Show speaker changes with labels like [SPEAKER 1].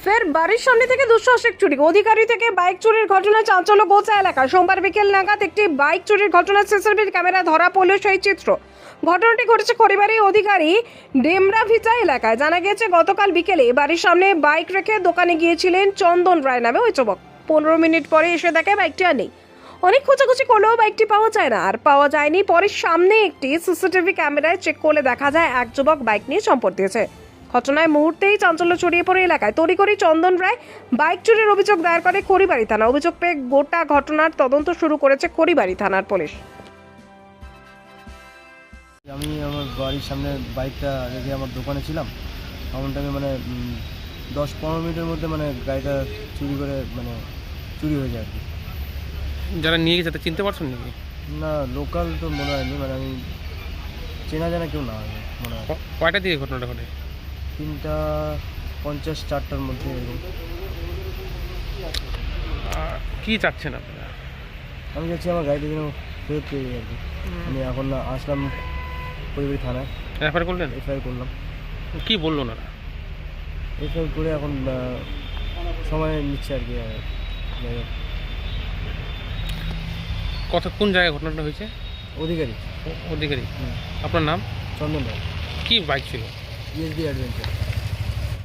[SPEAKER 1] ফের বাড়ির সামনে থেকে দুঃসাহসিক চুরি, অধিকারী থেকে বাইক চুরির ঘটনায় চাঞ্চল্য গোচা এলাকা। সোমবার বিকেল নাগাদ একটি বাইক চুরির ঘটনায় সিসিটিভি ক্যামেরায় ধরা পড়ল সেই চিত্র। ঘটনাটি ঘটেছে খড়িবাড়ি অধিকারী ডেমরাভিটা এলাকায়। জানা গেছে গতকাল বিকেলে বাড়ির সামনে বাইক রেখে দোকানে গিয়েছিলেন চন্দন রায় নামে ওই যুবক। 15 মিনিট পরে এসে দেখে বাইকটি আর নেই। অনেক খোঁজাখুঁজি করলেও বাইকটি পাওয়া যায় না, আর পাওয়া যায়নি। পরে সামনে একটি সিসিটিভি ক্যামেরায় চেক করলে দেখা যায় এক যুবক বাইক নিয়ে চম্পট দিয়েছে। ঘটনায় মুহূর্তেই চাঞ্চল্য ছড়িয়ে পড়ে এলাকায়। তড়িঘড়ি চন্দন রায় বাইক চুরির অভিযোগ দায়ের করে খড়িবাড়ি থানা। অভিযোগ পেয়ে গোটা ঘটনার তদন্ত শুরু করেছে খড়িবাড়ি থানার পুলিশ।
[SPEAKER 2] আমি আমার বাড়ির সামনে বাইকটা রেখে আমার দোকানে ছিলাম। এমন টাইমে 10-15 মিনিটের মধ্যে গাড়িটা চুরি করে চুরি হয়ে যায় আর কি।
[SPEAKER 3] যারা নিয়ে গেছে তাদের চিনতে পারছেন নাকি?
[SPEAKER 2] না, লোকাল তো মনে হয়নি, আমি চেনা জানা কেউ না মনে হয়।
[SPEAKER 3] কয়টা দিকে ঘটনাটা ঘটে?
[SPEAKER 2] 3:50 4টার মধ্যে এরকম।
[SPEAKER 3] কি চাচ্ছেন আপনারা?
[SPEAKER 2] আমি যাচ্ছি আমার গাড়িটা যেন ফেরত পেয়ে যাই আর কি। আমি এখন আসলাম খড়িবাড়ি থানায়,
[SPEAKER 3] এফআইআর করলেন?
[SPEAKER 2] এফআইআর করলাম।
[SPEAKER 3] কি বললো ওনারা?
[SPEAKER 2] এফআইআর করে এখন সময় নিচ্ছে আর কি। যাই হোক,
[SPEAKER 3] কোন জায়গায় ঘটনাটা হয়েছে?
[SPEAKER 2] অধিকারী।
[SPEAKER 3] অধিকারী। আপনার নাম?
[SPEAKER 2] চন্দন রায়।
[SPEAKER 3] কি বাইক ছিল?
[SPEAKER 2] ESD adventure.